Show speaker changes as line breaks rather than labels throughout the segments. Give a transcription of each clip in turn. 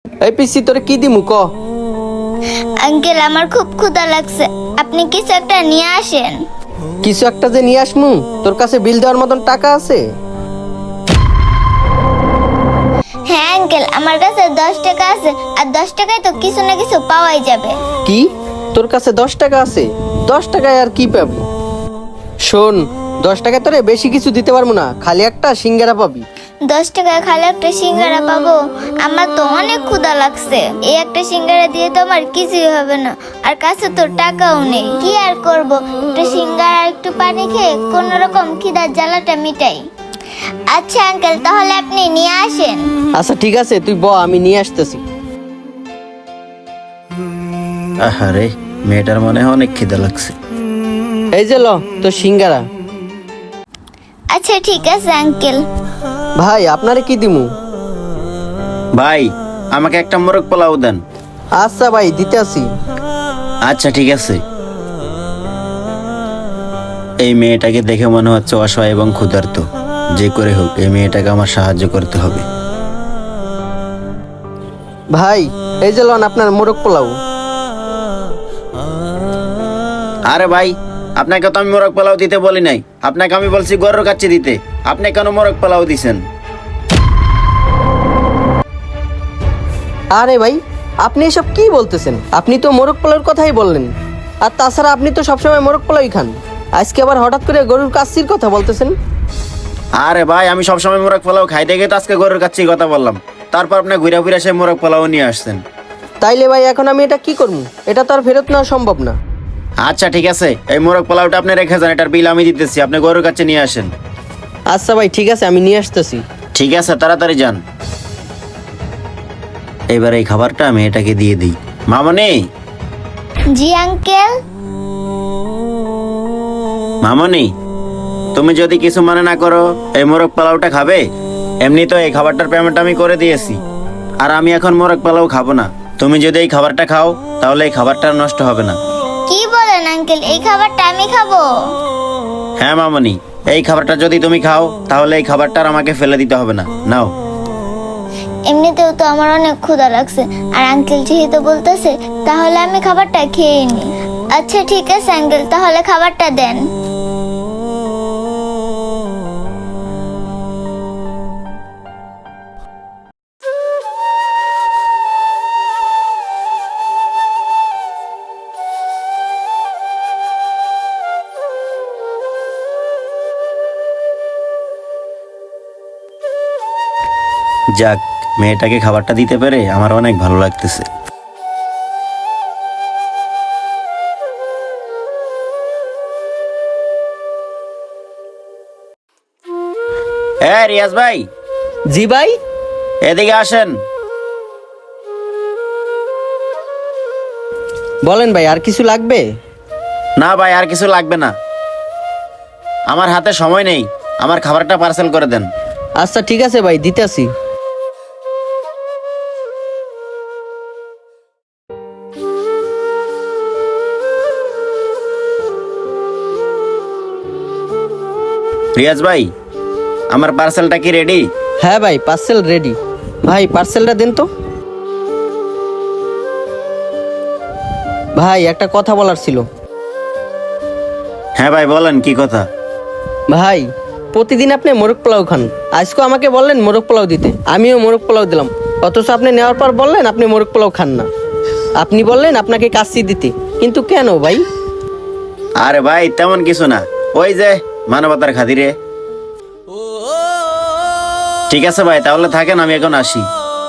এই পিসি তোরে কি দিমু ক?
আঙ্কেল আমার খুব ক্ষুধা লাগছে, আপনি কিছু একটা নিয়ে আসেন।
কিছু একটা যে নিয়ে আসমু, তোর কাছে বিল দেওয়ার মতন টাকা আছে?
হ্যাঁ আঙ্কেল, আমার কাছে 10 টাকা আছে, আর 10 টাকায় তো কিছু না কিছু পাওয়াই যাবে।
কি তোর কাছে 10 টাকা আছে? 10 টাকায় আর কি পাবি? শোন, 10 টাকায় তোরে বেশি কিছু দিতে পারবো না, খালি একটা সিঙ্গারা পাবি।
10 টাকায় খালি একটা সিঙ্গারা পাবো? আমার তো অনেক ক্ষুধা লাগছে, এই একটা সিঙ্গারা দিয়ে তো আমার কিছুই হবে না, আর কাছে তো টাকাও নেই। কি আর করব, একটু সিঙ্গারা আর একটু পানি খেয়ে কোন রকম খিদার জ্বালাটা মিটাই। আচ্ছা আঙ্কেল, তাহলে আপনি নিয়ে আসেন।
আচ্ছা ঠিক আছে, তুই ব, আমি নিয়ে আসতেছি।
আহারে, মেয়েটার মনে হয় অনেক খিদে লাগছে।
এই যে ল তোর সিঙ্গারা।
আচ্ছা ঠিক আছে আঙ্কেল।
ভাই আপনারে কি দিমু?
ভাই, আমাকে একটা মোরগ পোলাও দেন।
আচ্ছা ভাই, দিতে আসি।
আচ্ছা ঠিক আছে। এই মেয়েটাকে দেখে মনে হচ্ছে অসহায় এবং ক্ষুধার্ত। যে করে হোক এই মেয়েটাকে আমার সাহায্য করতে হবে।
ভাই এই যে লন আপনার মোরগ পোলাও।
আরে ভাই, আপনাকে তো আমি মোরগ পোলাও দিতে বলি নাই, আপনাকে আমি বলছি গরুর কাচ্চি দিতে। আপনি কেন মোরগ পোলাও দিছেন?
আরে ভাই, আপনি এসব কি বলতেছেন? আপনি তো মোরগ পোলাওর কথাই বললেন, আর তাছাড়া আপনি তো সবসময় মোরগ পোলাওই খান, আজকে আবার হঠাৎ করে গরুর কাচ্চির কথা বলতেছেন।
আরে ভাই, আমি সবসময় মোরগ পোলাও খাই দেখে তো আজকে গরুর কাচ্চির কথা বললাম। তারপর আপনি ঘুরে ফিরে সে মোরগ পোলাও নিয়ে আসছেন।
তাইলে ভাই এখন আমি এটা কি করবো? এটা তো আর ফেরত নেওয়া সম্ভব না।
আচ্ছা ঠিক আছে, এই মোরগ পোলাওটা আপনি রেখে যান, এটার বিল আমি দিতেছি, আপনি গরুর কাছে নিয়ে আসেন।
আচ্ছা ভাই ঠিক আছে, আমি নিয়ে আসতেছি।
ঠিক আছে, তাড়াতাড়ি যান। এবার এই খাবারটা আমি এটাকে দিয়ে দিই। মামনি,
জি আঙ্কেল।
মামনি, তুমি যদি কিছু মনে না করো, এই মোরগ পোলাওটা খাবে? এমনি তো এই খাবারটার পেমেন্ট আমি করে দিয়েছি, আর আমি এখন মোরগ পোলাও খাবো না। তুমি যদি এই খাবারটা খাও তাহলে এই খাবারটা আর নষ্ট হবে না।
কি বলেন আঙ্কেল, এই খাবারটা আমি খাবো?
হ্যাঁ মামনি, এই খাবারটা যদি তুমি খাও তাহলে এই খাবারটা আর আমাকে ফেলে দিতে হবে না। নাও।
এমনিতেও তো আমার অনেক ক্ষুধা লাগছে, আর আঙ্কেল যেহেতু বলতেছে তাহলে আমি খাবারটা খেয়ে নি। আচ্ছা ঠিক আছে আঙ্কেল, তাহলে খাবারটা দেন।
যাক, মেয়েটাকে খাবারটা দিতে পেরে আমার অনেক ভালো লাগতেছে। হ্যাঁ রিয়াজ ভাই,
জি ভাই।
এদিকে আসেন।
বলেন ভাই, আর কিছু লাগবে?
না ভাই, আর কিছু লাগবে না, আমার হাতে সময় নেই, আমার খাবারটা পার্সেল করে দেন।
আচ্ছা ঠিক আছে ভাই, দিতে আসি।
রিয়াজ ভাই, আমার পার্সেলটা কি রেডি?
হ্যাঁ ভাই, পার্সেল রেডি। ভাই পার্সেলটা দেন তো। ভাই একটা কথা বলার ছিল।
হ্যাঁ ভাই বলেন, কি কথা?
ভাই প্রতিদিন আপনি মোরগ পোলাও খান, আজকে আমাকে বললেন মোরগ পোলাও দিতে, আমিও মোরগ পোলাও দিলাম, অথচ আপনি নেওয়ার পর বললেন আপনি মোরগ পোলাও খান না। আপনি বললেন আপনাকে কাচ্চি দিতে, কিন্তু কেন ভাই?
আরে ভাই তেমন কিছু না, ওই যে মানবতার খাতিরে। ঠিক আছে ভাই, তাহলে থাকেন, আমি এখন আসি।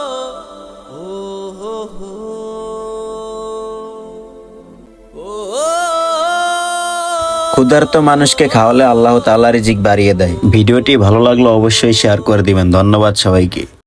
ক্ষুধার্ত মানুষকে খাওয়ালে আল্লাহ তাআলা রিজিক বাড়িয়ে দেয়। ভিডিওটি ভালো লাগলো অবশ্যই শেয়ার করে দিবেন। ধন্যবাদ সবাইকে।